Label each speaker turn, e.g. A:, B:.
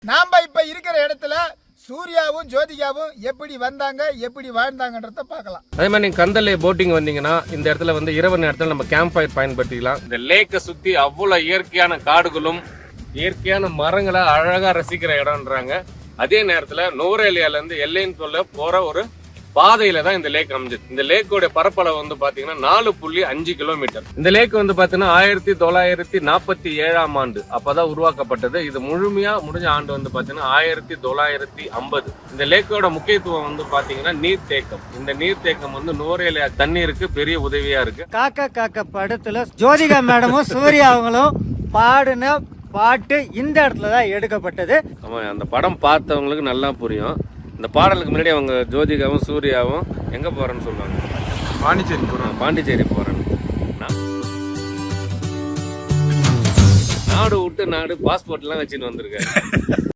A: நாம இப்ப இருக்கிற இடத்துல சூர்யாவும் ஜோதிகாவும் எப்படி வந்தாங்க எப்படி வாழ்ந்தாங்கன்றத பார்க்கலாம்.
B: அதே மாதிரி நீங்க கந்தலே போட்டிங் வந்தீங்கன்னா இந்த இடத்துல வந்து இரவு நேரத்தில் நம்ம கேம்ப் ஃபயர் பயன்படுத்திக்கலாம். இந்த லேக்கை சுத்தி அவ்வளவு இயற்கையான காடுகளும் இயற்கையான மரங்களை அழகா ரசிக்கிற இடம்ன்றாங்க. அதே நேரத்துல நூரேலியால இருந்து எல்லைன்னு சொல்ல போற ஒரு பாதையில தான் இந்த லேக் அமைஞ்சது. இந்த லேக்கோட பரப்பளவு வந்து பாத்தீங்கன்னா 4.5 கிலோமீட்டர். இந்த லேக் வந்து பாத்தீங்கன்னா 1947ஆம் ஆண்டு அப்பதான் உருவாக்கப்பட்டது. இது முழுமையா முடிஞ்ச ஆண்டு வந்து பாத்தீங்கன்னா 1950. இந்த லேக்கோட முக்கியத்துவம் வந்து பாத்தீங்கன்னா நீர்த்தேக்கம். இந்த நீர்த்தேக்கம் வந்து நூரேலியா தண்ணீருக்கு பெரிய உதவியா இருக்கு.
C: காக்கா காக்கா படத்துல ஜோதிகா மேடமும் சூர்யா அவங்களும் பாடின பாட்டு இந்த இடத்துல தான் எடுக்கப்பட்டது.
B: ஆமா, அந்த படம் பார்த்தவங்களுக்கு நல்லா புரியும். இந்த பாடலுக்கு முன்னாடி அவங்க ஜோதிகாவும் சூர்யாவும் எங்க போறேன்னு சொல்லுவாங்க, பாண்டிச்சேரி போறேன்னு. நாடு விட்டு நாடு பாஸ்போர்ட் எல்லாம் வச்சுட்டு வந்திருக்காரு.